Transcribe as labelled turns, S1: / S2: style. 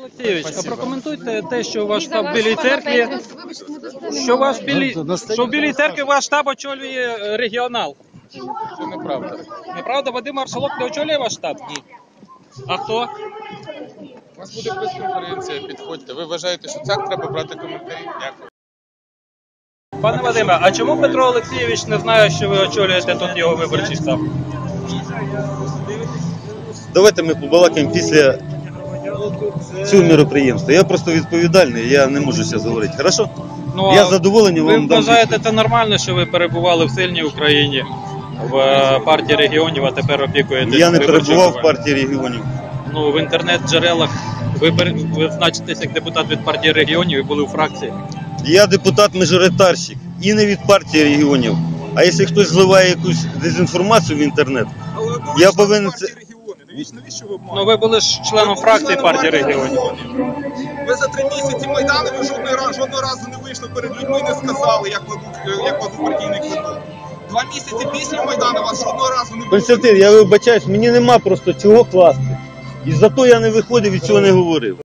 S1: Олексійович, а прокоментуйте те, що ваш штаб в Білій церкві, що в Білій церкві ваш штаб очолює регіонал.
S2: Це неправда.
S1: Неправда, Вадим Маршалок не очолює ваш штаб? Ні. А хто?
S2: У нас буде прес-конференція, підходьте. Ви вважаєте, що так треба брати коментарі? Дякую.
S1: Пане Вадиме, а чому Петро Олексійович не знає, що ви очолюєте тут його виборчий штаб?
S3: Давайте ми побалакаємо після цього мероприємства. Я просто відповідальний, я не можу зараз говорити. Хорошо?
S1: Ну,
S3: Я задоволений
S1: ви
S3: вам дам.
S1: вважаєте це нормально, що ви перебували в сильній Україні, в партії регіонів, а тепер опікуєтесь
S3: Я не
S1: виборчою
S3: перебував в
S1: кампанією?
S3: партії регіонів.
S1: Ну, в інтернет-джерелах ви значитесь як депутат від партії регіонів і були у фракції.
S3: Я депутат-мажоритарщик і не від партії регіонів. А якщо хтось зливає якусь дезінформацію в інтернет, я повинен це...
S4: Навіщо ви обманюєте?
S1: Ну, ви були ж членом фракції партії регіонів.
S4: Ви за 3 місяці Майдану ви жодного разу не вийшли перед людьми і не сказали, як вас у партійний квиток. 2 місяці після Майдану вас жодного разу не було.
S3: Константин, я вибачаюсь, мені нема просто чого класти. І за то я не виходив і цього не говорив.